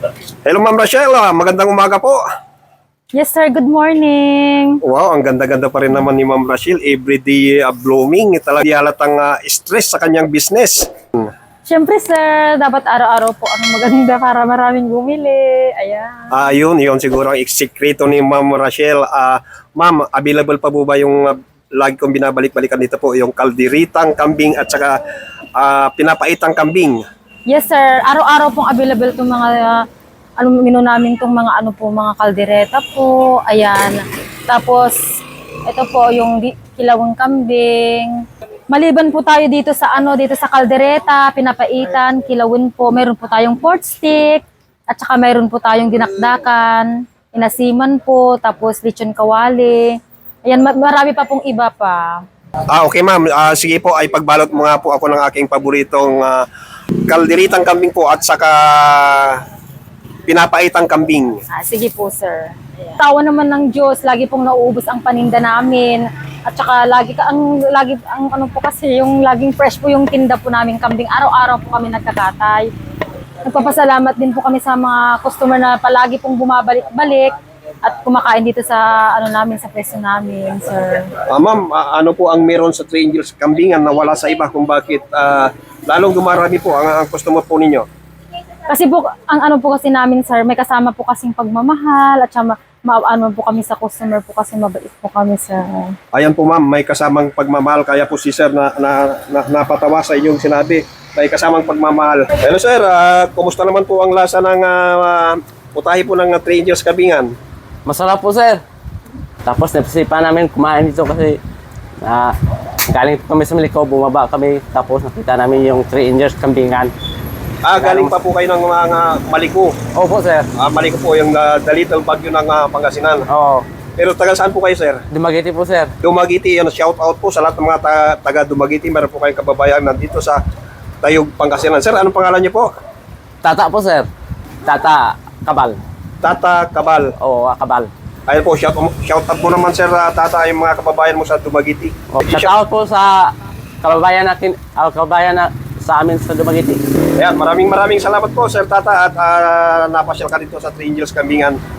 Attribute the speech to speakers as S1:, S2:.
S1: Hello Ma'am Rachel, magandang umaga po.
S2: Yes sir, good morning.
S1: Wow, ang ganda-ganda pa rin naman ni Ma'am Rachel. Everyday blooming. Talaga di halatang stress sa kanyang business.
S2: Siyempre sir, dapat araw-araw po ang maganda para maraming bumili. Ayan.
S1: Yun siguro ang sekreto ni Ma'am Rachel. Ma'am, available pa po ba yung lagi kong binabalik-balikan dito po, yung kalderitang kambing at saka pinapaitang kambing?
S2: Yes sir, araw-araw pong available itong mga menu namin itong mga mga kaldereta po. Ayan. Tapos ito po yung kilawang kambing. Maliban po tayo dito sa dito sa kaldereta, pinapaitan, kilawin po. Meron po tayong pork stick at saka meron po tayong dinakdakan, inasiman po, tapos lechon kawali. Ayan, marami pa pong iba pa.
S1: Okay ma'am, sige po, ay pagbalot mo nga po ako ng aking paboritong kalderitang kambing po at saka pinapaitang kambing.
S2: Sige po, sir. Ayan. Tawa naman ng Diyos, lagi pong nauubos ang paninda namin. At saka lagi po kasi yung laging fresh po yung tinda po namin kambing. Araw-araw po kami nagkakatay. Nagpapasalamat din po kami sa mga customer na palagi pong bumabalik-balik at kumakain dito sa namin, sa pwesto namin, sir.
S1: Ma'am, ano po ang meron sa 3 Angels kambingan na wala sa iba kung bakit lalong dumarami po ang customer po ninyo?
S2: Kasi po, ang po kasi namin, sir, may kasama po kasing pagmamahal at saka po kami sa customer po kasi mabait po kami, sir.
S1: Ayan po ma'am, may kasamang pagmamahal, kaya po si sir napatawa sa inyong sinabi. May kasamang pagmamahal. Hello sir, kumusta naman po ang lasa ng putahe po ng 3 Angels kambingan?
S3: Masarap po, sir. Tapos napisipan namin kumain dito kasi galing po kami sa Maliko, bumaba kami, tapos nakita namin yung 3 Angels kambingan.
S1: Galing pa po kayo ng mga Maliko.
S3: Opo, sir.
S1: Maliko po yung the little bagyo ng Pangasinan.
S3: Oo.
S1: Pero taga saan po kayo sir?
S3: Dumaguete po, sir.
S1: Dumaguete, shout out po sa lahat ng mga taga Dumaguete. Meron po kayong kababayan nandito sa Tayog, Pangasinan. Sir, anong pangalan niyo po?
S3: Tata po, sir. Tata Kabal.
S1: Tata Kabal.
S3: Oo, Kabal.
S1: Ayun po, shout out mo naman sir, Tata, yung mga kababayan mo sa Dumaguete.
S3: Shout out po sa kababayan na sa amin sa Dumaguete.
S1: Ayan, maraming salamat po sir Tata at napasyal ka dito sa 3 Angels Kambingan.